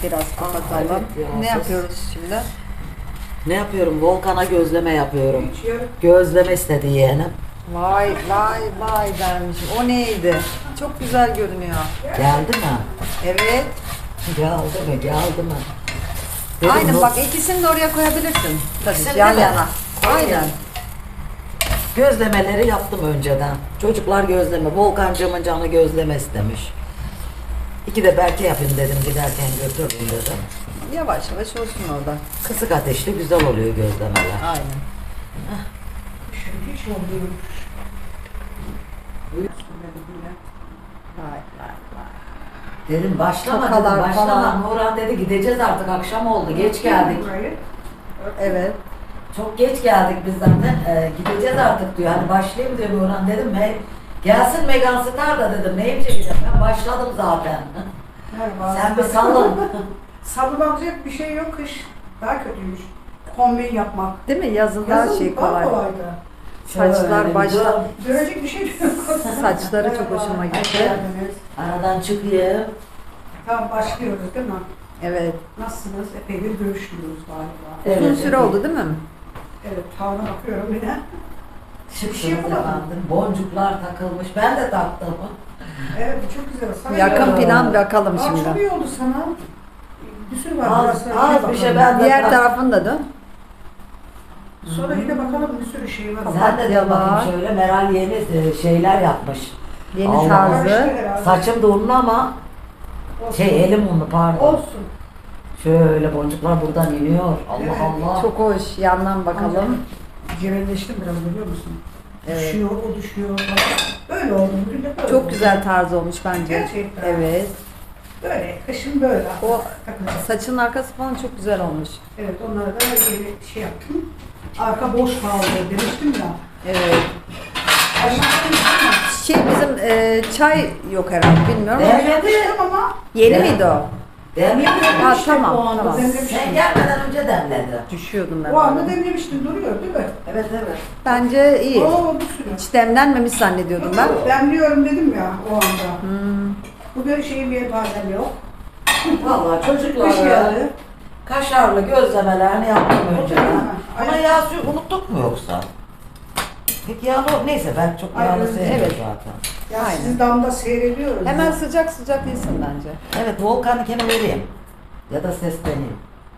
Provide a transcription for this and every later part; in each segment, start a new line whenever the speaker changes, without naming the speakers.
biraz kapatalım.
evet ya,
Ne
sus.
yapıyoruz şimdi?
Ne yapıyorum? Volkan'a gözleme yapıyorum.
Hiç yarım.
Gözleme istedi yeğenim.
Vay vay vay dermişim. O neydi? Çok güzel görünüyor.
Geldi mi?
Evet.
Geldi mi? Geldi mi? Dedim,
Aynen
bu-
bak ikisini de oraya koyabilirsin. Tabii
İkisini
yan
de mi?
yana. Aynen.
Gözlemeleri yaptım önceden. Çocuklar gözleme. Volkancığımın canı gözleme istemiş. İki de belki yapayım dedim, giderken götürdüm dedim.
Yavaş yavaş olsun orada.
Kısık ateşli güzel oluyor gözlemeler.
Aynen.
Şimdi hiç olmuyor.
Vay vay vay.
Dedim başlama
Tokalar
dedim, başlama.
falan.
Nurhan dedi gideceğiz artık, akşam oldu, geç geldik.
Burayı.
Evet.
Çok geç geldik biz zaten, gideceğiz artık diyor. Hani başlayayım diyor Nurhan, dedim. Gelsin Megan Star da dedim, neyim çekeceğim, ben başladım zaten.
Merhaba.
Sen bir sallın.
Sallanacak bir şey yok, kış daha kötüymüş. Kombin yapmak.
Değil mi? Yazın daha
Yazın
şey
daha
kolay.
kolaydı.
Saçlar
Şöyle
başta.
Dönecek bir şey yok.
Saçları çok hoşuma
Hoş
gitti.
geldiniz.
Aradan çıkayım.
Tamam başlıyoruz değil mi?
Evet.
Nasılsınız? Epeydir görüşmüyoruz galiba.
Uzun
Evet,
süre
evet.
oldu değil mi?
Evet, tavana bakıyorum yine.
Şıksınız
şey yapamadım.
efendim. Boncuklar takılmış. Ben de taktım.
Evet, bu çok güzel. Sana
Yakın
iyi oldu.
plan bakalım
Aa, çok
şimdi.
iyi oldu sana. Bir sürü var.
Az-
burası.
az
Yine
bir şey
bakalım.
ben-
Diğer tarafında da.
Sonra yine bakalım, bir sürü şey var.
Sen de de
var.
bakayım şöyle. Meral yeni şeyler yapmış.
Yeni
Allah
tarzı.
Karıştı herhalde.
Saçım da unlu ama
Olsun.
elim unlu, pardon.
Olsun.
Şöyle boncuklar buradan iniyor. Allah
Evet.
Allah.
Çok hoş. Yandan bakalım.
Cebelleştim biraz, biliyor musun?
Evet.
Düşüyor, o düşüyor. Böyle oldu. Bugün de böyle
Çok
oldu.
güzel tarz olmuş bence.
Gerçekten.
Evet.
Böyle, kışın böyle.
O
Takılacak.
saçın arkası falan çok güzel olmuş.
Evet, onlara da yeni şey yaptım. Arka boş kaldı demiştim ya.
Evet.
Aşağıda
Şey bizim çay yok herhalde bilmiyorum ama
Evet.
yapmıştım ama
yeni
Evet.
miydi o?
Demledim.
Ha
işte
tamam
o anda
tamam.
demlemiştim.
Sen gelmeden önce demledi.
Düşüyordum ben.
O anda
orada.
demlemiştim, duruyor değil mi?
Evet evet.
Bence iyi.
Oo, bir sürü.
Hiç demlenmemiş zannediyordum ben.
Demliyorum dedim ya o anda.
Hmm.
Bugün şeyin bir badem yok.
Vallahi
Kış
çocuklar
geldi.
kaşarlı gözlemelerini yaptım önceden.
Aynen.
Ama yağ suyu unuttuk mu yoksa? Peki yağlı, neyse ben çok
Aynen.
yağlı sevmiyorum
Evet.
zaten.
Ya
Aynen.
sizi damda seyrediyoruz.
Hemen sıcak sıcak yesin bence.
Evet, Volkan'ınkini vereyim. Ya da sesleneyim.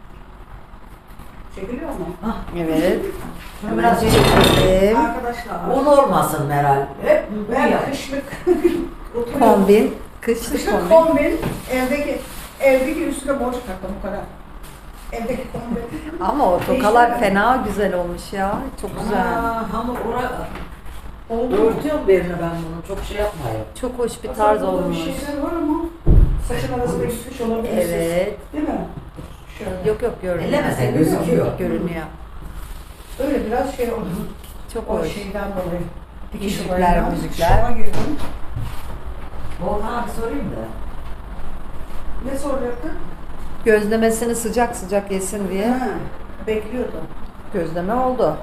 Çekiliyor mu?
Evet.
Şunu biraz şey
Arkadaşlar.
un olmasın Meral. Hep bu
Ben
ya.
kışlık oturuyorum.
Kombin. Kışlık
Kışlık
kombin.
kombin. Evdeki üstüne boncuk taktım bu kadar. Evdeki kombin.
Ama o tokalar fena güzel olmuş ya. Çok güzel.
Aa, hamur
Oldu.
örtüyorum birine ben bunu. Çok şey yapmayayım.
Çok hoş bir
Aslında
tarz
burada
olmuş.
Bir şeyler var ama saçın arasında gitmiş olabilir.
Evet.
Değil mi? Şöyle.
Yok yok görünüyor.
Ellemesen gözüküyor.
Görünüyor.
Öyle biraz şey oldu.
Çok
O
hoş.
şeyden dolayı.
Müzikler,
olayından
müzikler.
şoka girdim.
Volkan'a bir sorayım da.
Ne soracaktın?
Gözlemesini sıcak sıcak yesin diye
Ha, bekliyordum.
gözleme oldu.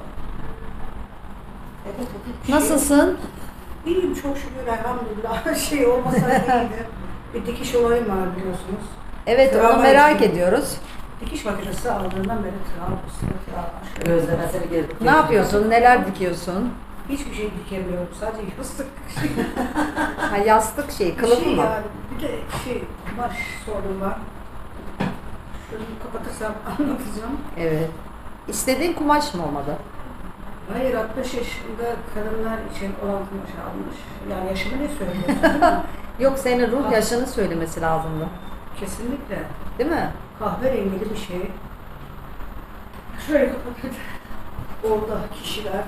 Evet, bir şey
Nasılsın?
İyiyim çok şükür elhamdülillah. Şey olmasa iyiydi. Bir dikiş olayım var biliyorsunuz.
Evet onu
Travma
merak
yaşıyorum.
ediyoruz.
Dikiş makinesi aldığından beri travma.
Gözlemesini gelip.
Ne yapıyorsun? Neler dikiyorsun?
Hiçbir şey dikemiyorum. Sadece yastık.
Ha yastık şey,
Bir
kılıf
şey
mı?
yani. Bir de şey kumaş sorun var. Şunu kapatırsam anlatacağım.
Evet. İstediğin kumaş mı olmadı?
Hayır 60 yaşında kadınlar için olan kumaş almış. Yani yaşımı ne söylüyorsun değil mi?
Yok senin ruh yaşını söylemesi lazımdı.
Kesinlikle.
Değil mi?
Kahverengili bir şey. Şöyle kapatın. Orada kişiler.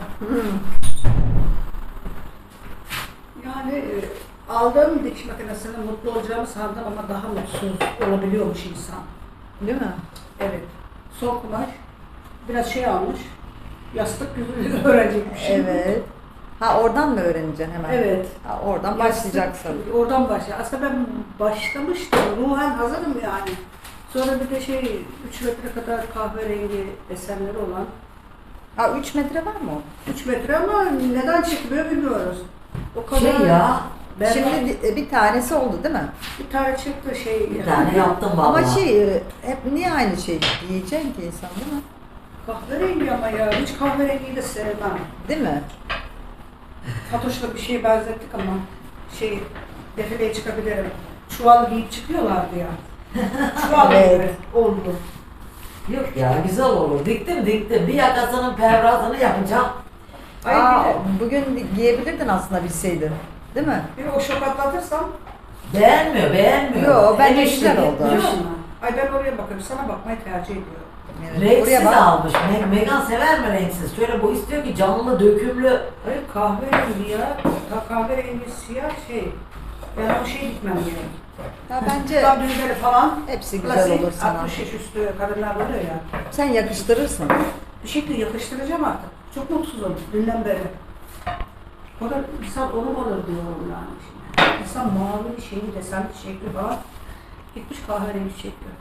Yani aldığım dikiş makinesinde mutlu olacağımı sandım ama daha mutsuz olabiliyormuş insan.
Değil mi?
Evet. Son kumaş. Biraz şey almış. Yastık yüzü öğrenecekmişim.
Evet. Ha oradan mı öğreneceksin hemen?
Evet.
Ha, oradan başlayacaksın.
Oradan başla. Aslında ben başlamıştım. Ruhen hazırım yani. Sonra bir de 3 metre kadar kahverengi desenleri olan.
Ha 3 metre var mı o?
3 metre ama neden çıkmıyor bilmiyoruz. O kadar
Şey ya, Ben
Şimdi bir tanesi oldu değil mi?
Bir tane çıktı şey.
bir tane yaptım vallahi.
Ama hep niye aynı şey yiyeceksin ki insan değil mi?
Kahverengi ama ya. Hiç kahverengiyi de sevmem.
Değil mi?
Fatoş'la bir şeye benzettik ama defileye çıkabilirim. Çuval giyip çıkıyorlardı ya. Çuval
Evet.
gibi oldu.
Yok ya güzel olur. Diktim. Bir yakasının pervazını yapacağım.
Ay
Aa,
bir de,
bugün giyebilirdin aslında bilseydin. Değil mi?
bir de o şok atlatırsam
Beğenmiyor.
Yo, bence
Enişte
güzel oldu.
gitmiş.
biliyor musun? Ay ben oraya bakarım. Sana bakmayı tercih ediyorum.
Evet.
Renksiz
Buraya bak.
almış. Megan sever mi renksiz? Şöyle bu istiyor ki canlı, dökümlü.
Hayır kahverengi ya. Kahverengi siyah şey. Ben o şey gitmem gerek.
Ya bence
Tam düğmeleri falan.
hepsi güzel
Klasik
olur sana.
60 yaş üstü kadınlar oluyor ya.
Sen yakıştırırsın.
Bir şekilde yakıştıracağım artık. Çok mutsuzum dünden beri. O da insan onu alır diyorum yani şimdi. İnsan mavi bir şeyi desenli şekli falan. Gitmiş kahverengi şekli.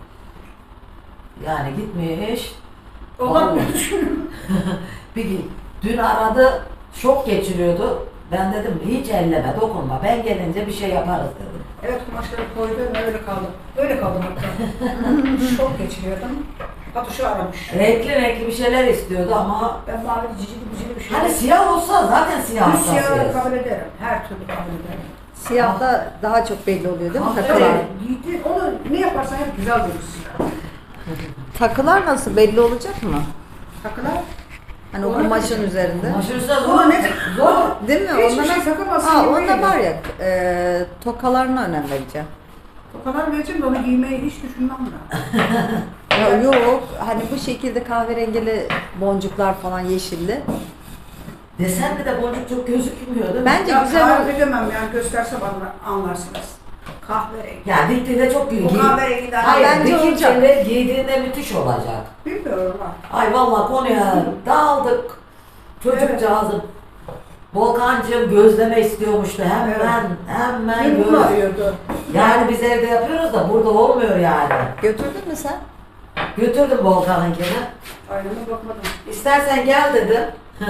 Yani gitmiş.
Olan
Allah.
mı düşünüyorum?
Bir dün aradı, şok geçiriyordu. Ben dedim hiç elleme, dokunma. Ben gelince bir şey yaparız dedim.
Evet kumaşları koydum öyle kaldım. Öyle kaldım hatta. Şok geçiriyordum. Fatuş'u aramış.
Renkli bir şeyler istiyordu ama
Ben mavi cicili bir şey.
hani siyah olsa zaten siyah
Düz siyahı
hastasıyız.
kabul ederim. Her türlü kabul ederim.
Siyahta daha çok belli oluyor değil mi
Ah,
takılar?
Evet, giydi, onu ne yaparsan hep güzel durursun.
Takılar nasıl belli olacak mı?
Takılar.
Hani o
Ona
kumaşın
bakacağım.
üzerinde.
Maşursa
Ona
zor.
ne?
Zor.
Değil mi?
Hiçbir
Onlara-
şey takamazsın.
Aa,
gibi
onda
değil.
var ya tokalarına önem vereceğim.
O kadar vereceğim de onu giymeyi hiç düşünmem ben.
Ya yok hani bu şekilde kahverengili boncuklar falan yeşilli.
Desende de boncuk çok gözükmüyor değil mi?
Bence
Ya
güzel
tarif
olur.
edemem yani gösterse bana anlarsınız. Kahverengi.
Ya diktiğinde çok iyi.
O kahverengiden
Hayır,
bence olacak.
dikince giydiğinde müthiş olacak.
Bilmiyorum ha.
Ay vallahi konuya dağıldık. Çocukcağızım. Volkancığım gözleme istiyormuştu. Hemen
Beni bunu
göz.
arıyordu.
Yani biz evde yapıyoruz da burada olmuyor yani.
Götürdün mü sen?
Götürdüm Volkan'ınkini.
Aynama bakmadım.
İstersen gel dedim.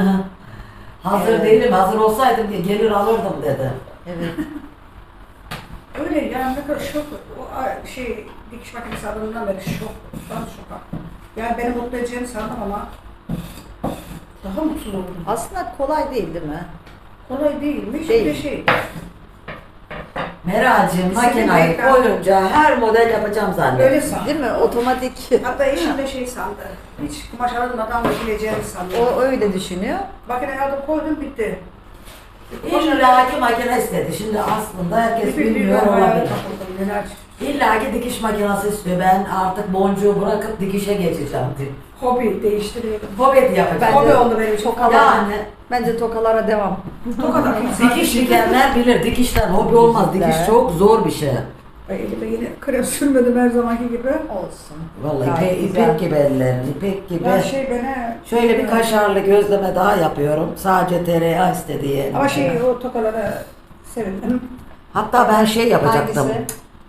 Hazır
Evet.
değilim, hazır olsaydım diye gelir alırdım dedi.
Evet.
Öyle yani ne kadar şok. O dikiş makinesi adından beri şok. Ben şoka. Yani beni mutlu edeceğini sandım ama daha mutsuz oldum.
Aslında kolay değil mi?
Kolay değilmiş.
Değil.
Bir de
Meral'cığım
Senin
makinayı
ekran-
koyunca her model yapacağım zannettim.
öyle sandım.
Değil mi? Otomatik.
Hatta eşim de sandı. Hiç kumaş alınmadan dikileceğini sandı.
O öyle düşünüyor.
Makineye aldım koydum bitti.
İlla ki makine istedi. Şimdi aslında herkes bilmiyor olabilir. İlla ki dikiş makinesi istiyor. Ben artık boncuğu bırakıp dikişe geçeceğim diyor.
Hobi değiştiriyorum.
Hobi yapacağım.
Ben
Hobi
de-
oldu benim için.
Tokalar.
Yani
Bence tokalara devam.
Tokalar.
dikiş dikenler bilir. Dikişten hobi olmaz. Dikiş çok zor bir şey.
Elime yine krem sürmedim her zamanki gibi.
Olsun.
Vallahi
Gayet güzel.
ipek gibi ellerin, ipek gibi.
Ya bana...
Şöyle bir kaşarlı gözleme daha yapıyorum. Sadece tereyağı istediği.
Ama o tokalara sevindim.
Hatta ben şey yapacaktım.
Hangisi?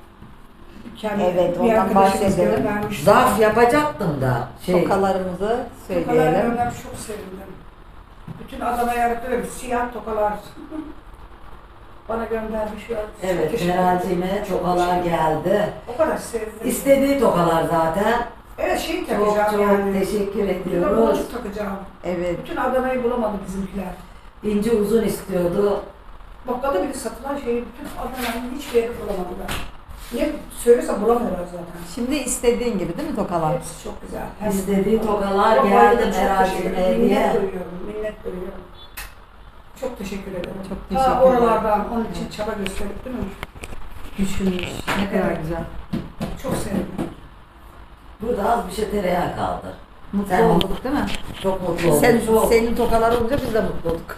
Kendi
Evet,
bir
ondan
arkadaşımız
bahsedelim.
göndermiş.
Zarf yapacaktım da.
Tokalarımızı
Tokalar
söyleyelim.
göndermiş, çok sevindim. Bütün Adana yarıkları siyah tokalar. Bana göndermiş ya.
Evet,
Teşekkür
Meral'cime
ederim.
tokalar geldi.
O kadar sevdim.
İstediği tokalar zaten.
Evet
Çok
takacağım
çok
yani.
teşekkür
Bir de
ediyoruz.
boncuk takacağım.
Evet.
Bütün Adana'yı bulamadı bizimkiler.
İnce uzun istiyordu.
Bakkalda bile satılan şeyi bütün Adana'nın hiçbir yerde bulamadılar. Niye söylesem bulamıyorlar zaten.
Şimdi istediğin gibi değil mi tokalar?
Hepsi çok güzel.
İstediği tokalar
Vallahi
geldi
çok
Meral'cime
teşekkür ederim.
hediye.
Minnet duyuyorum, minnet duyuyorum. Çok teşekkür ederim.
Çok teşekkür
Ta
ederim.
oralardan onun için çaba gösterip değil mi?
Düşünmüş. Ne kadar
Evet.
güzel.
Çok sevindim.
Burada az bir şey tereyağı kaldı.
Mutlu
Sen-
olduk değil mi?
Çok mutlu oldum.
Sen,
çok,
senin tokalar olunca biz de mutlu olduk.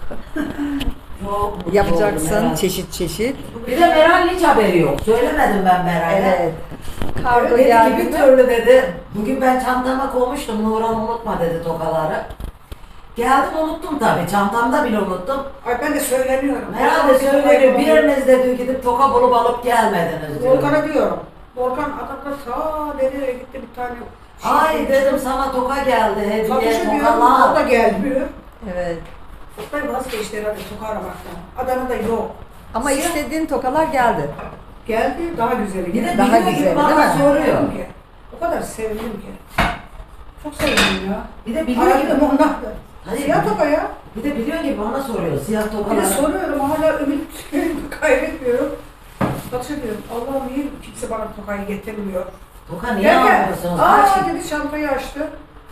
çok mutlu oldum
Yapacaksın
Meral.
çeşit çeşit.
Bir de Meral hiç haberi yok. Söylemedim ben Meral'e.
Evet. Kargo
Dedi ki
geldi
bir
mi?
türlü dedi. Bugün ben çantama koymuştum. Nurhan unutma dedi tokaları. Geldim unuttum tabii. Çantamda bile unuttum.
Ay ben de söyleniyorum.
Herhalde söyleniyor. Biriniz de diyor gidip toka bulup alıp gelmediniz diyor.
Volkan'a diyorum. Volkan adamda ta nereye gitti bir tane
Ay dedim sana toka geldi. Hediye
Satışa diyorum, o
tokalar.
da gelmiyor.
Evet.
Oktay vazgeçti herhalde toka aramaktan. Adana'da yok.
Ama
Siyah-
istediğin tokalar geldi.
Geldi daha güzeli
Bir de
geldi.
Daha
biliyor
güzel,
gibi bana
değil mi?
soruyor.
Ki. O kadar sevindim ki. Çok sevindim ya.
Bir de biliyor gibi.
Aradım ondan.
Hayır,
Siyah toka ya.
Bir de biliyor gibi bana soruyor siyah
Bir de
tokalar.
soruyorum hala ümit kaybetmiyorum. Batı diyorum Allah'ım niye kimse bana tokayı getirmiyor.
Toka niye
Derken,
almıyorsunuz? Kaç
aa dedi çantayı açtı.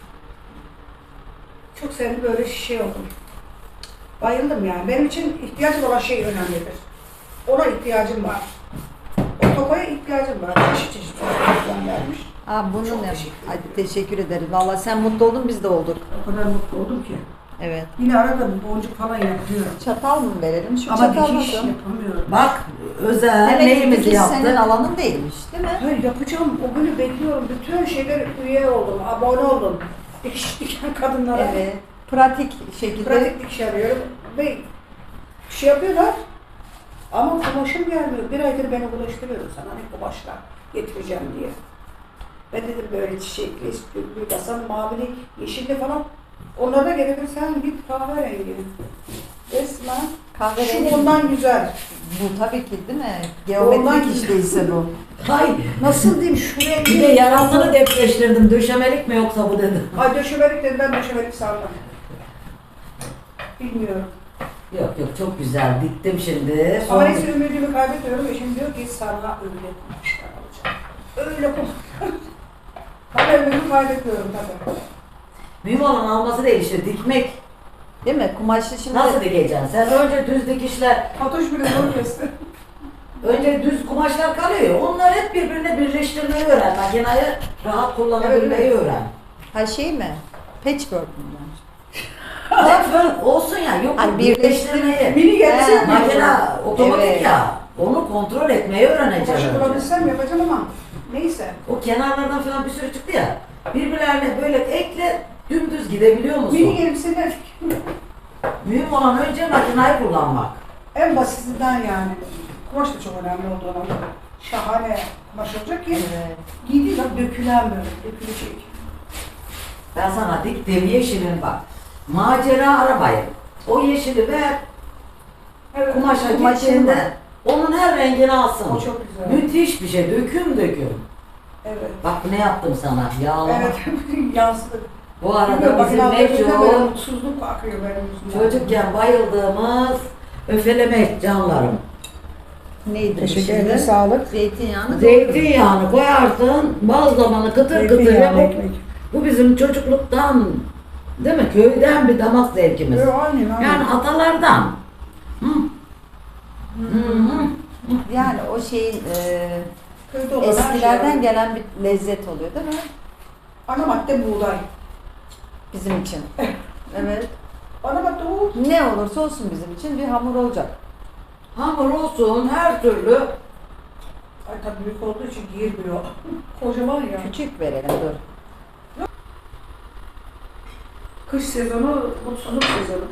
Çok sevindim böyle şey oldum. Bayıldım yani. Benim için ihtiyacım olan şey önemlidir. Ona ihtiyacım var. O tokaya ihtiyacım var. Çeşit çeşit tokaylar vermiş.
Bunun
Çok
ne?
teşekkür ederim.
Hadi teşekkür ederiz. Vallahi sen mutlu oldun biz de olduk.
O kadar mutlu oldum ki.
Evet.
Yine aradım boncuk falan yapıyorum.
Çatal mı verelim? Şu
Ama
çatal
dikiş
nasıl?
yapamıyorum.
Bak özel
Demek ki
neyimizi
dikiş senin
yaptık.
alanın değilmiş değil mi?
Hayır yapacağım. O günü bekliyorum. Bütün şeyler üye oldum. Abone oldum. Dikiş diken kadınlara.
Evet. Pratik şekilde.
Pratik dikiş arıyorum. Ve şey yapıyorlar. Ama kumaşım gelmiyor. Bir aydır beni ulaştırıyor sana hani kumaşla getireceğim diye. Ben dedim böyle çiçekli, sütlü, basan, mavili, yeşilli falan. Onlara da gerekir sen bir kahverengi. Resmen.
Kahverengi.
Şu ondan güzel.
Bu tabii ki değil mi?
Ondan
Geometrik işteyse bu.
Hay
Nasıl diyeyim şu rengi.
bir de yarasını depreştirdim. Döşemelik mi yoksa bu dedim.
Ay döşemelik dedim ben döşemelik sandım. Bilmiyorum.
Yok yok çok güzel diktim şimdi.
Ama
Sonra
neyse ümidimi kaybediyorum. Eşim diyor ki sana öyle kumaşlar alacağım. Öyle kumaşlar. Ben ümidimi kaybediyorum tabii.
mühim olan alması değil işte dikmek.
Değil mi? Kumaşlı şimdi.
Nasıl dikeceksin? Sen önce düz dikişler,
Fatoş bile zor kesti.
önce düz kumaşlar kalıyor. Onlar hep birbirine birleştirmeyi öğren. Makinayı rahat kullanabilmeyi
Evet,
öğren.
Ha şey mi? Patchwork mu?
Patchwork olsun ya yok
Hani
birleştirmeyi.
Mini gelse
He,
Makina otomatik
Evet.
ya. Onu kontrol etmeyi öğreneceksin.
kumaşı
önce.
bulabilsem yapacağım ama neyse.
O kenarlardan falan bir sürü çıktı ya. Birbirlerine böyle ekle dümdüz gidebiliyor musun?
Mini elbiseler
Mühim olan önce makinayı kullanmak.
en basitinden yani. Kumaş da çok önemli olduğunu. Şahane kumaş olacak ki
Evet.
giydiği zaman dökülen böyle, dökülecek.
Ben sana diktiğim yeşilin bak. Macera arabayı. O yeşili ver
Evet,
kumaşa
Kumaşın
gittiğinde
var.
onun her rengini alsın.
o çok güzel.
Müthiş bir şey. Döküm döküm.
Evet.
Bak ne yaptım sana. Yağlama.
Evet, yansıdı.
Bu arada
Bilmiyorum,
bizim
bakın altlarında böyle
meşhur
mutsuzluk akıyor benim yüzümden.
çocukken bayıldığımız öfeleme canlarım.
Neydi?
Teşekkür
şimdi?
ederim, sağlık.
Zeytinyağını
Zeytinyağını koyarsın, bazlamanı kıtır kıtır
Zeytinyağlı
yapıp
ekmek.
bu bizim çocukluktan değil mi? Köyden bir damak zevkimiz.
Aynen, aynen.
Yani atalardan. Hı. Hı.
Yani o şeyin
Köyde olan her
eskilerden
şey.
gelen bir lezzet oluyor değil mi?
Ana madde buğday.
Bizim için. Evet.
Ana madde o.
Ne olursa olsun bizim için bir hamur olacak.
Hamur olsun her türlü.
Ay tabii büyük olduğu için girmiyor. Kocaman ya.
Küçük verelim dur.
Kış sezonu, mutsuzluk sezonu.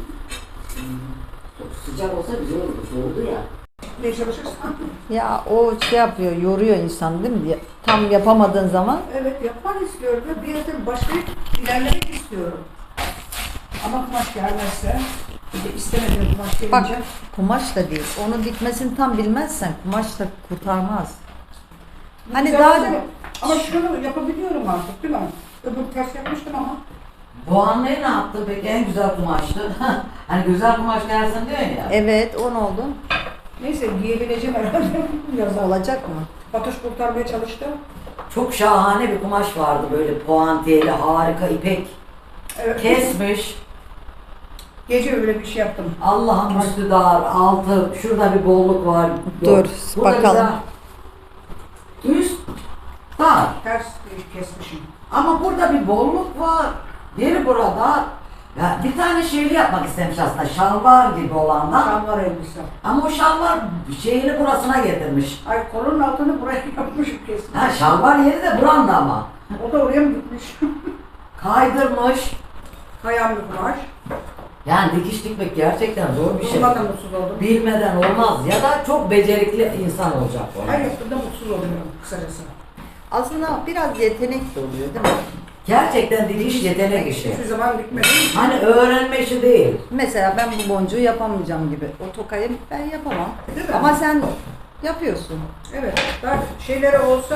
Çok sıcak olsa güzel olur. Soğudu ya.
Ne çalışırsan.
Ya o şey yapıyor, yoruyor insan değil mi? Tam yapamadığın zaman
Evet yapmak istiyorum ve bir yerde başlayıp ilerlemek istiyorum. Ama kumaş gelmezse, bir de istemediğim kumaş
bak
gelince.
kumaş da değil. Onu dikmesini tam bilmezsen kumaş da kurtarmaz. Hani
Güzel
daha
değil mi? Ama şunu yapabiliyorum artık değil mi? Öbür ters yapmıştım ama.
Bu anlayı ne yaptın peki? En güzel kumaştı. Hani güzel kumaş gelsin diyor ya.
evet o ne oldu?
Neyse giyebileceğim herhalde yazar.
Olacak mı?
Fatoş kurtarmaya çalıştı.
Çok şahane bir kumaş vardı böyle puantiyeli, harika ipek.
Evet.
Kesmiş.
Gece öyle bir şey yaptım.
Allah'ın üstü dar, altı, şurada bir bolluk var. Yok.
Dur,
Burada
bakalım.
bir üst dar.
Ters kesmişim.
Ama burada bir bolluk var. Yeri burada. Ya bir tane şeyli yapmak istemiş aslında. Şalvar gibi olandan.
Şalvar elbise.
Ama o şalvar şeyini burasına getirmiş.
Ay kolunun altını buraya yapmışım kesin.
Ha şalvar yeri de buranda ama.
O da oraya mı gitmiş?
Kaydırmış.
Kayan bir kumaş.
Yani dikiş dikmek gerçekten zor bir şey.
Ondan da mutsuz oldum.
Bilmeden olmaz ya da çok becerikli insan olacak o.
Her yaptığımda mutsuz oluyorum kısacası.
Aslında biraz yetenek de oluyor değil mi?
Gerçekten dikiş yetenek işi.
Hiçbir zaman dikmedim.
Hani öğrenme işi değil.
Mesela ben bu boncuğu yapamayacağım gibi. O tokayı ben yapamam.
Değil mi?
Ama sen yapıyorsun.
Evet, ben şeyleri olsa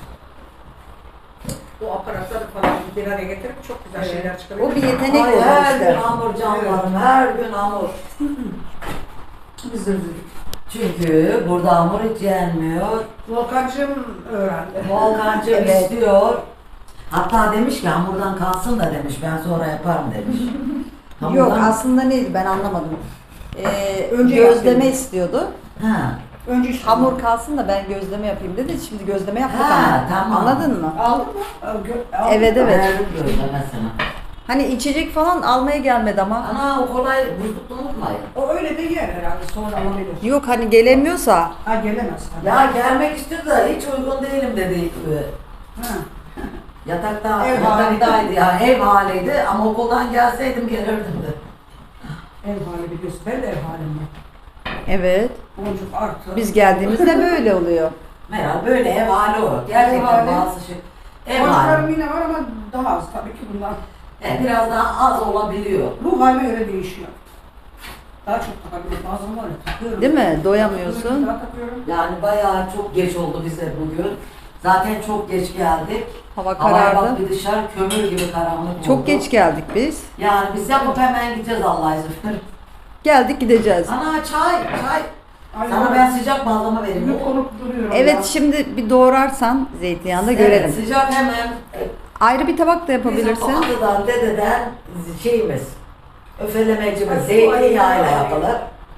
o aparatları falan bir araya getirip çok güzel şeyler çıkarıyor.
O bir yetenek
Ay,
olur
her
işte.
gün hamur canlarım, her gün hamur.
Biz de üzüldük.
Çünkü burada hamur hiç yenmiyor.
Volkancığım öğrendi.
Volkancığım
Evet.
istiyor. Hatta demiş ki hamurdan kalsın da demiş, ben sonra yaparım demiş.
Yok aslında neydi ben anlamadım.
Önce
Gözleme
yapayım.
istiyordu.
Ha.
Önce işte
Hamur kalsın da ben gözleme yapayım dedi. Şimdi gözleme yaptık
Ha,
ama.
tamam.
Anladın mı?
aldın mı? Aldın.
Evet, evet.
Verdim gözlemesine.
Hani içecek falan almaya gelmedi ama.
Ana o kolay buzlukta unutmayın.
O öyle de yer herhalde sonra alabilir.
Yok hani gelemiyorsa.
Ha gelemez.
Ya gelmek istiyor da hiç uygun değilim dedi.
Ha.
Yatakta,
Ev
yataktaydı ya, ev haliydi ama okuldan gelseydim gelirdim de.
Ev hali biliyorsun. Ben de ev halimde.
Evet.
Boncuk artı.
Biz geldiğimizde böyle oluyor.
Meral böyle ev hali o. Gerçekten
Ev hali.
bazı şey. Ev
Boncuklarım
hali.
yine var ama daha az tabii ki bundan.
Biraz daha az olabiliyor.
Ruh halime göre değişiyor. Daha çok takabilirim. Bazen var ya takıyorum.
Değil mi? Doyamıyorsun.
Daha takıyorum.
Yani bayağı çok geç oldu bize bugün. Zaten çok geç geldik.
Hava
Havaya bak
karardı.
bir dışarı kömür gibi karanlık oldu.
Çok geç geldik biz.
Yani biz yapıp hemen gideceğiz Allah izin verir.
Geldik gideceğiz.
Ana çay.
Aynen.
Sana ben sıcak malzeme vereyim.
Yok konup duruyorum
Evet
ya.
şimdi bir doğrarsan zeytinyağında
Evet,
görelim.
sıcak hemen.
Ayrı bir tabak da
Bizim
yapabilirsin.
atadan, dededen şeyimiz, öfelemecimiz,
Ay,
zeytinyağıyla
ay, ay.
yapılır.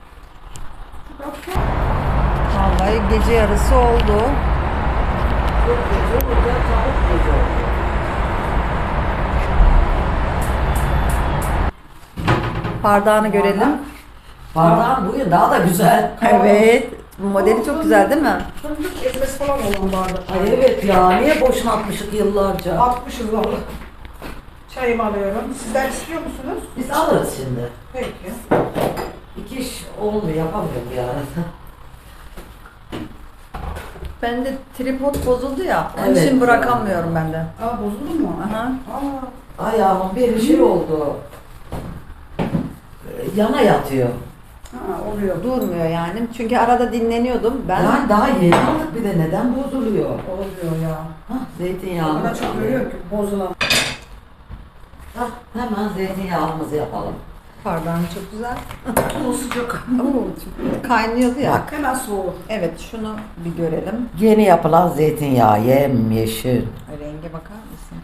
Vallahi gece yarısı oldu.
Çok gece olacak, çabuk gece olacak.
Bardağını görelim.
Bardağın bugün daha da güzel.
Evet. Bu modeli çok güzel değil mi?
Fındık ezmesi falan olan bardak.
Ay evet ya, niye boşuna atmışık yıllarca?
Atmışız valla. Çayımı alıyorum. Sizler istiyor musunuz?
Biz alırız şimdi.
Peki.
İki iş olmuyor, yapamıyorum bir arada.
Ben de tripod bozuldu ya. Onun
Evet.
için bırakamıyorum ben de.
Aa bozuldu mu?
Aha.
Aa.
Ayağımın bir şey oldu. Yana yatıyor.
Ha oluyor.
Durmuyor yani. Çünkü arada dinleniyordum. Ben
Yani daha yeni aldık bir de neden bozuluyor?
Oluyor ya.
Hah,
O
zeytinyağlı.
kadar çok görüyorum ki bozulan.
Hah, hemen zeytinyağımızı yapalım.
bardağın çok güzel.
O sıcak.
Oo, çok kaynıyordu ya.
Bak.
Hemen soğur.
Evet şunu bir görelim.
Yeni yapılan zeytinyağı, yemyeşil.
Renge bakar mısın?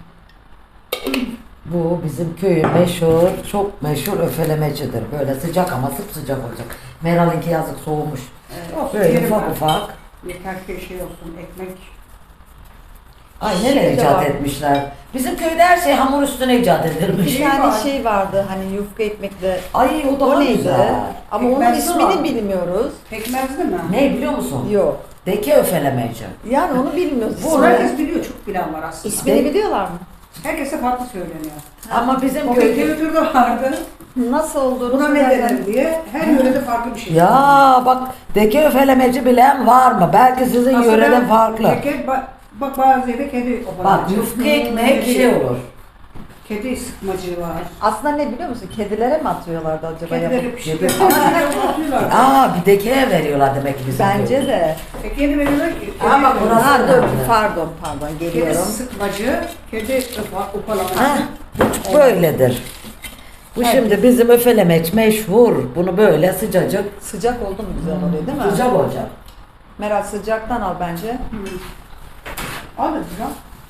Bu bizim köyün meşhur, çok meşhur öfelemecidir. Böyle sıcak ama sıcak olacak. Meral'inki yazık soğumuş.
Olsun,
Böyle
yerim
ufak
ben.
ufak.
Yeter ki şey olsun, ekmek.
Ay
Şey
neler
de
icat
var.
etmişler. Bizim köyde her şey hamur üstüne icat edilmiş.
Bir tane
var.
şey vardı hani yufka ekmekle.
Ay o daha
O neydi?
güzel.
Ama onun
Pekmezli
ismini
var.
bilmiyoruz.
Pekmezli mi?
Ne biliyor musun?
Yok.
Deke öfelemeci.
Yani onu bilmiyoruz.
Bu
İsmini,
herkes biliyor, çok bilen var aslında.
ismini biliyorlar mı?
Herkese farklı söyleniyor.
Ama bizim
O
köyde...
kültürde vardı.
Nasıl olduğunu
Buna ne
söylersen-
denir diye her yörede farklı bir şey.
Ya bak deke öfelemeci bilen var mı? Belki sizin
Aslında
yöreden farklı.
Bak bazı yerde kedi
Bak yufka ekmek şey olur.
Kedi sıkmacı var.
Aslında ne biliyor musun? Kedilere mi atıyorlardı acaba?
Kedileri
yapıp?
pişiriyor. Ama atıyorlar.
Aa bir dekeye veriyorlar demek ki bizim
Bence
köyde.
de.
Kedi veriyorlar ki.
Ama
kedi-
burası-
Ha dur
önemli.
pardon
Kedi
geliyorum.
sıkmacı, kedi upalamacı.
Ha, bu böyledir. Bu şimdi bizim öfelemeç meşhur. Bunu böyle sıcacık
Sıcak oldu mu güzel oluyor değil mi?
sıcak olacak.
Meral sıcaktan al bence.
Al da güzel.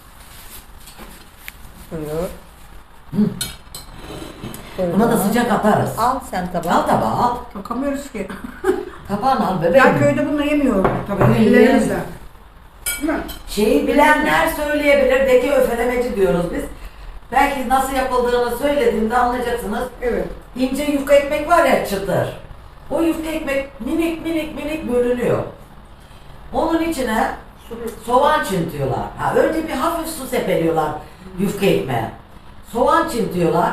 Buyur.
Hı.
Buyur
Buna da
bana.
sıcak atarız.
Al sen tabağı.
Al tabağı al.
Bakamıyoruz ki.
Tabağını al bebeğim.
Ben köyde bununla yemiyorum tabii.
Öyle.
Ellerimizle. Değil mi?
Şeyi bilenler söyleyebilir. Deke öfelemeci diyoruz biz. Belki nasıl yapıldığını söylediğimde anlayacaksınız.
Evet.
İnce yufka ekmek var ya çıtır. O yufka ekmek minik minik minik bölünüyor. Onun içine soğan çintiyorlar. Ha, önce bir hafif su sepeliyorlar yufka ekmeğe. Soğan çintiyorlar.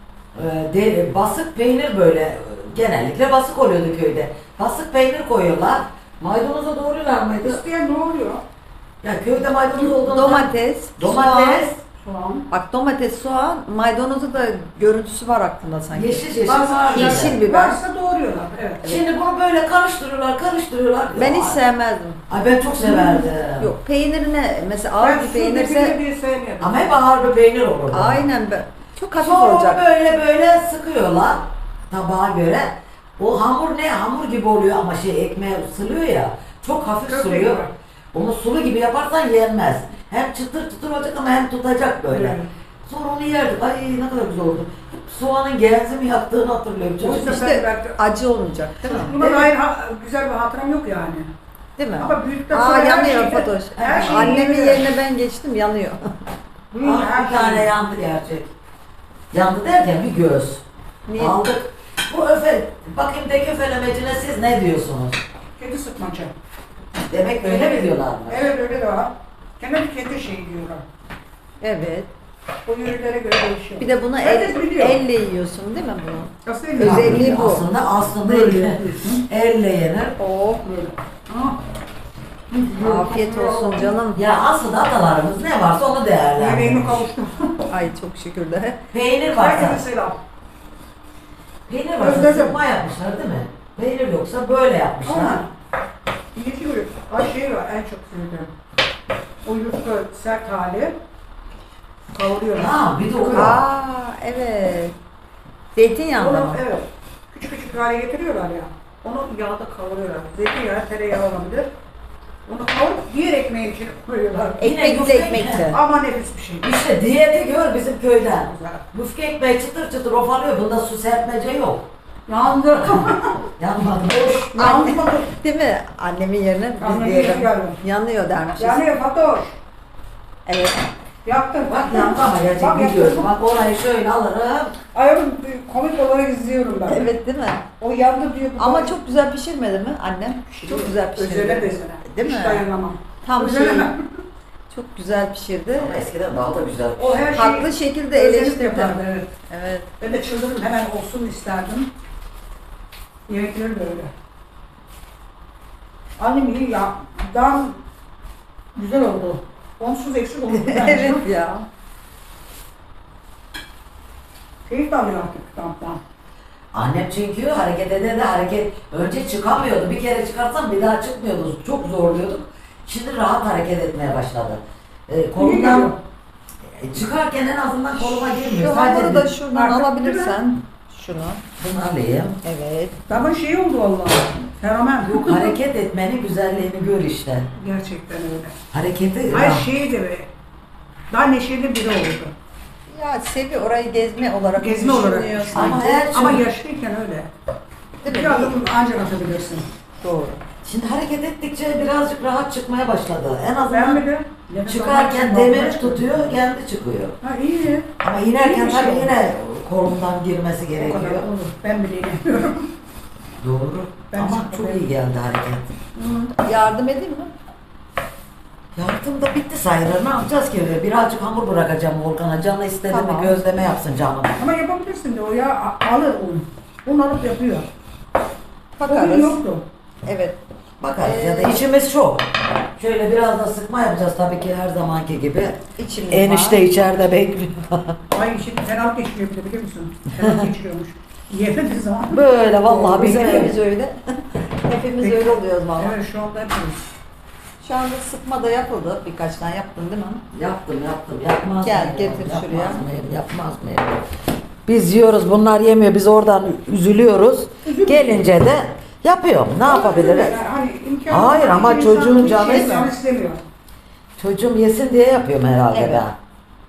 Basık peynir böyle genellikle basık oluyordu köyde. Basık peynir koyuyorlar. Maydanoza doğruyorlar mıydı?
İsteyen ne oluyor?
Ya köyde maydanoz olduğunu
Domates,
Domates,
Soğan.
Bak domates, soğan, maydanozu da görüntüsü var aklında sanki.
Yeşil
Bazı
var.
Yeşil biber.
Varsa doğruyorlar. Evet.
Şimdi bunu böyle karıştırıyorlar.
Ben hiç
Ay,
sevmezdim.
Ay ben çok severdim.
Yok peynirine mesela ağır
Ben
bir
su
peynirse
dibini bir sevmiyorum.
Ama hep ağır bir peynir olur.
aynen çok hafif
Sonra
olacak.
onu böyle sıkıyorlar tabağa göre. O hamur ne? Hamur gibi oluyor ama ekmeğe ısılıyor ya. Çok hafif
Çok
suluyor.
iyi.
Onu sulu gibi yaparsan yenmez. Hem çıtır çıtır olacak ama hem tutacak böyle.
Evet.
Sonra onu yerdik. Ay ne kadar güzel oldu. Soğanın genzimi yaptığını hatırlıyorum.
O
Çocuk.
yüzden
İşte acı olmayacak değil mi?
Buna dair güzel bir hatıram yok yani.
Değil mi?
Ama büyükten sonra
Aa
her
yanıyor
şeyi-
Fatoş.
her şeyi
Annemin
yiyor.
yerine ben geçtim yanıyor.
Ah, bir tane yandı gerçek. Yandı derken bir göz.
Niye?
Aldık. Bu bakayım tek öfelemecine siz ne diyorsunuz?
Kedi sıkmaca.
Demek öyle mi diyorlar mı?
Evet öyle de var. Kendi kedi şeyi diyorlar.
Evet.
O yörelere göre değişiyor.
Bir de bunu
Herkes biliyor.
elle yiyorsun değil mi bunu?
Nasıl
özelliği bu.
Aslında
Böyle
elle,
yapıyorsun.
elle yenir.
Oh.
Böyle. Ah.
Afiyet olsun canım.
Ya aslında atalarımız ne varsa onu
Yemeğimi
değerlendirir.
kavuştum.
Ay çok şükür de.
Peynir varsa,
Herkese selam.
peynir varsa
Özledim.
sıkma yapmışlar değil mi? Peynir yoksa böyle yapmışlar.
Ama yetiyor. Ay şey var en çok sevdiğim. O yufka sert hali. Kavuruyorlar.
Ha bir de o var.
Aa evet. Zeytinyağında
Onu
mı?
evet. Küçük küçük hale getiriyorlar ya. Onu yağda kavuruyorlar. Zeytinyağı, tereyağı olabilir. Onu kavurup diğer ekmeğin içine koyuyorlar.
Yine
Ekmekli
yufka
ekmekli.
Ama nefis bir şey.
İşte diyeti gör bizim köyden.
Güzel.
Yufka ekmeği çıtır çıtır ofalıyor. Bunda su serpmece yok.
Yandı.
Yanmadı. Boş.
Yanmadı.
Değil mi? Annemin yerine biz
Annemin
diyelim.
yerine geldim.
Yanıyor dermişiz.
Yani Fatoş.
Evet.
Yaktın.
Bak yandı ama gerçek
Bak
biliyorum.
yaktın.
Bak orayı şöyle alırım.
Ayağım komik olarak izliyorum ben.
Evet değil mi?
O yandı diyor. bu
Ama
da-
çok güzel pişirmedi mi annem? Çok güzel pişirdi.
Özene bezene.
Değil
Hiç
mi?
dayanamam.
Tam şey.
Özenemem.
Çok güzel pişirdi.
Ama eskiden daha da güzel.
O her şeyi
Haklı şekilde
özenip
eleştirdi.
yapardı, evet.
Evet.
Ben de çıldırdım hemen olsun isterdim. Yemekleri de öyle. Annem iyi ya. Daha güzel oldu. Onsuz eksik oldu.
Evet ya.
Keyif de alıyor artık kamptan.
Annem çünkü hareket ede de önce çıkamıyordu. Bir kere çıkarsam bir daha çıkmıyordu. Çok zorluyorduk. Şimdi rahat hareket etmeye başladı. Kolundan çıkarken en azından koluma girmiyor.
Şu hamuru da
bir-
şuradan
Artık
alabilirsen. Şunu.
Bunu alayım.
Evet.
Ama şey oldu vallahi. Fenomen.
Yok hareket etmenin güzelliğini gör işte.
Gerçekten öyle.
Hareketi
Her şey de böyle. Daha neşeli biri oldu.
Ya Sevi orayı gezme olarak
Gezme olarak
düşünüyor
düşünüyor.
Ama
sanki.
her
Ama
şey-
yaşlıyken öyle.
Değil
Bir
mi?
adım ancak atabilirsin.
Doğru.
Şimdi hareket ettikçe birazcık rahat çıkmaya başladı. En
Ben
azından
bile nefes
çıkarken
almak için
demiri
balkona çıktım.
tutuyor, kendi çıkıyor.
Ha iyi.
Ama inerken
İyi bir şey
tabii
oldu.
yine kolundan girmesi
O
gerekiyor.
kadar olur. Ben bile inemiyorum.
Doğru.
Ben
Ama
çok
çok
beğendim.
iyi geldi hareket.
Yardım edeyim mi?
Yardım da bitti sayılır. Ne yapacağız ki? Birazcık hamur bırakacağım Volkan'a. Canı istedi mi
Tamam.
gözleme yapsın canım.
Ama yapabilirsin de o ya alır un. Un alıp yapıyor. Bugün
Bakarız.
yoktu.
Evet.
Bakarız ya da işimiz çok. Şöyle biraz da sıkma yapacağız tabii ki her zamanki gibi.
İçimiz
Enişte
var.
içeride bekliyor.
Ay şimdi fenalık geçiriyor bir de biliyor musun? Fenalık geçiriyormuş. Yemediği zaman.
Böyle vallahi
Bizim
bizim
hepimiz öyle. Hepimiz
Peki.
öyle oluyoruz valla.
Evet şu anda yapıyoruz.
Şu anda sıkma da yapıldı. Birkaç tane yaptın değil mi?
Yaptım. Yapmaz
Gel,
mıyım?
getir
Yapmaz
şuraya.
mıyım? Yapmaz mıyım? Biz yiyoruz, bunlar yemiyor. Biz oradan üzülüyoruz. Gelince de yapıyorum. Ne yapabiliriz?
Yani hani imkanı
Hayır,
olan
ama
bir
çocuğun
insan bir
canı
şey
istemiyor.
istemiyor.
Çocuğum yesin diye yapıyorum herhalde
Evet.
ben.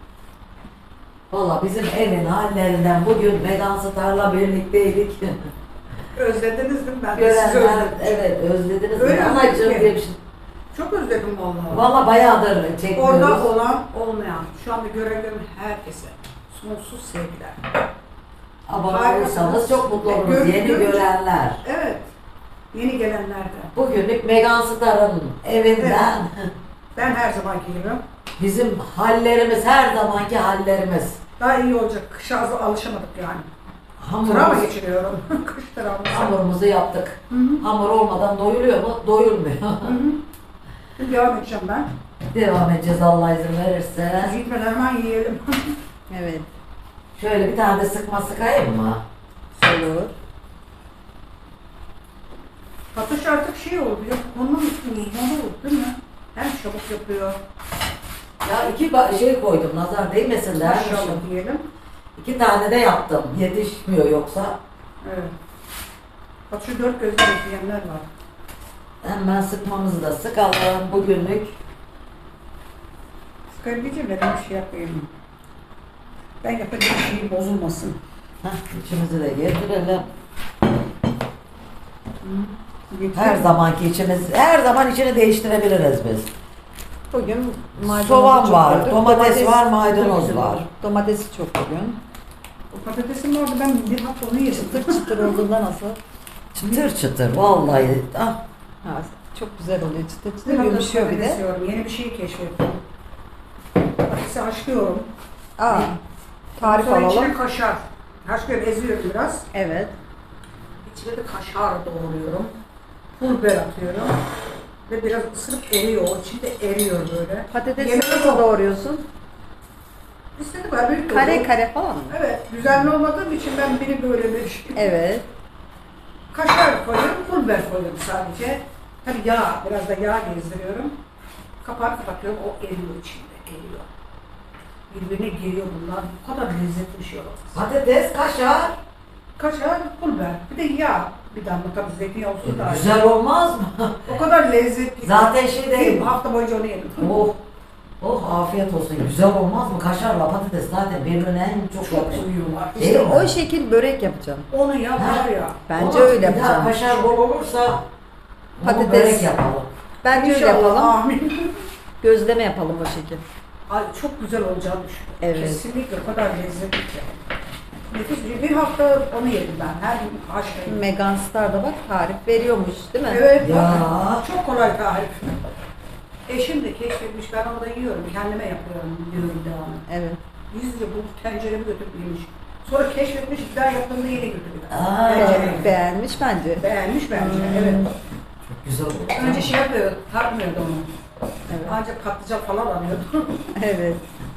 Valla bizim evin hallerinden bugün Vegan Star'la birlikteydik.
Özlediniz değil mi? Ben de sizi
Görenler,
özledim.
evet özlediniz.
Öyle
mi?
mi?
Anacığım diye bir şey.
Çok özledim vallahi.
Valla bayağıdır çekmiyoruz.
Orada olan olmayan, şu anda görelim herkese sonsuz sevgiler.
Abone olursanız çok mutlu oluruz. Yeni görenler.
Evet, yeni gelenler de.
Bugünlük Vegan Star'ın evinden
Ben her zamanki gibi.
bizim hallerimiz, her zamanki hallerimiz.
Daha iyi olacak, kışa alışamadık yani. Travma
Hamurumuzu,
geçiriyorum, kış travması.
hamurumuzu yaptık.
Hı hı.
Hamur olmadan doyuluyor mu? Doyulmuyor.
Hı hı. Şimdi devam edeceğim ben.
Devam edeceğiz Allah izin verirse.
Biz gitmeden hemen yiyelim.
Evet.
Şöyle bir tane de sıkma sıkayım mı?
Olur.
Patates artık şey oldu ya, onun uzmanı oldu değil mi? Hem çabuk yapıyor.
Ya iki şey koydum nazar değmesin dermişim.
Maşallah diyelim.
2 tane de yaptım. Yetişmiyor yoksa.
Evet. Bak şu 4 gözle bekleyenler var.
Hemen sıkmamızı da sıkalım bugünlük.
Sıkabileceğim ben bir şey yapayım. Ben yapacağım şeyi bozulmasın.
Heh, içimizi de getirelim.
Geçelim.
Her zamanki içimiz, her zaman içini değiştirebiliriz biz.
Bugün maydanozu
Soğan
çok
var,
koyduk.
domates var, maydanoz var.
Domatesi çok bugün.
O patatesim vardı, ben bir hafta onu yedim.
Çıtır çıtır olduğunda nasıl?
Çıtır çıtır vallahi. Ah,
Ha, çok güzel oluyor. Çıtır
Bir
çıtır
hafta
yumuşuyor bir
patates
de.
yiyorum, yeni bir şey keşfettim. Patatesi haşlıyorum.
Aa, tarif
Sonra içine
alalım.
kaşar. Haşlıyorum, eziyorum biraz.
Evet.
İçine de kaşar doğruyorum. Pul biber atıyorum. Ve biraz ısırıp eriyor. O içinde eriyor böyle.
Patatesi
Yemeği
nasıl
yok.
doğruyorsun?
İstedim ben büyük
Kare
doğruyorum.
kare falan mı?
Evet. Düzenli olmadığım için ben biri böyle bir şey.
Evet.
Kaşar koyuyorum, pul biber koyuyorum sadece. Tabii yağ, biraz da yağ gezdiriyorum. Kapağı kapatıyorum, o eriyor içinde, eriyor. Birbirine giriyor bunlar. Bu kadar lezzetli bir şey olamaz.
patates, kaşar.
Kaşar, pul biber, bir de yağ. Bir damla tabii zeytinyağı olsun da.
Güzel olmaz mı?
O kadar lezzetli.
Zaten şey değil.
Bir hafta boyunca onu yedim.
Oh, oh afiyet olsun. Güzel olmaz mı? Kaşarla patates zaten birbirine en çok
Çok
yakışıyor.
uyuyorlar.
Değil
İşte
mi?
o şekil börek yapacağım.
Onu yap
Ha.
var ya.
Bence
Ama
öyle
bir daha
yapacağım.
kaşar bol olursa
Patates.
patates börek yapalım.
Bence öyle
İnşallah,
yapalım.
Amin.
Gözleme yapalım o şekil.
Ay çok güzel olacağını düşünüyorum.
Evet.
Kesinlikle o kadar lezzetli ki. Nefis bir şey. Bir hafta onu yedim ben. Her gün haşlayayım.
Megan Star'da bak tarif veriyormuş değil mi?
Evet.
Ya.
bak, çok kolay tarif. Eşim de keşfetmiş. Ben orada yiyorum. Kendime yapıyorum. Diyorum devamlı.
Evet.
Gizlice bu tenceremi götürüp yemiş. Sonra keşfetmiş. Bir daha yaptığımda yine götürüyor.
Aa.
Tencereyi.
Beğenmiş bence.
Beğenmiş bence.
Hmm.
Evet.
Çok güzel oldu.
Önce şey yapıyordu. Tartmıyordu onu.
Evet.
Ancak patlıcan falan alıyordu.
Evet.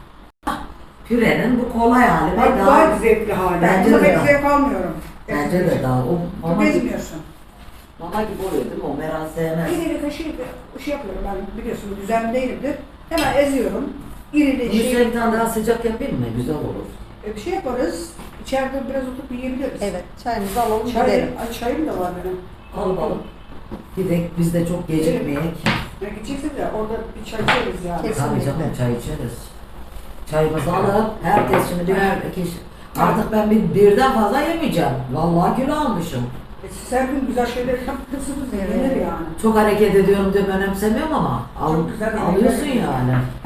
Pürenin bu kolay hali.
Bak
Ve
daha zevkli hali.
Bence
Bunda
de
pek
daha.
zevk almıyorum.
Bence de daha. O
Çok
mama gibi,
ezmiyorsun.
mama gibi oluyor değil mi? O Meral sevmez.
Bir eli kaşığı şey yapıyorum ben biliyorsun düzenli değilimdir. Hemen eziyorum.
Bunun
İrili
üstüne
şey.
bir tane daha sıcak yapayım mı? Güzel olur.
Bir şey yaparız. İçeride biraz oturup yiyebiliriz.
Evet. Çayımızı alalım
Çay,
gidelim.
ay, çayım da var benim.
Alalım. Gidek biz de çok gecikmeyek.
Ya gideceksin de orada bir çay içeriz yani.
Kesin.
Tabii canım çay içeriz. Çayımızı alıp herkes şimdi birer kişi. Artık ben birden fazla yemeyeceğim. Vallahi kilo almışım.
Siz her gün güzel şeyler yapıyorsunuz.
Evet.
Yenir yani.
Çok hareket ediyorum diye önemsemiyorum ama
Çok güzel
alıyorsun
yemekler
yani.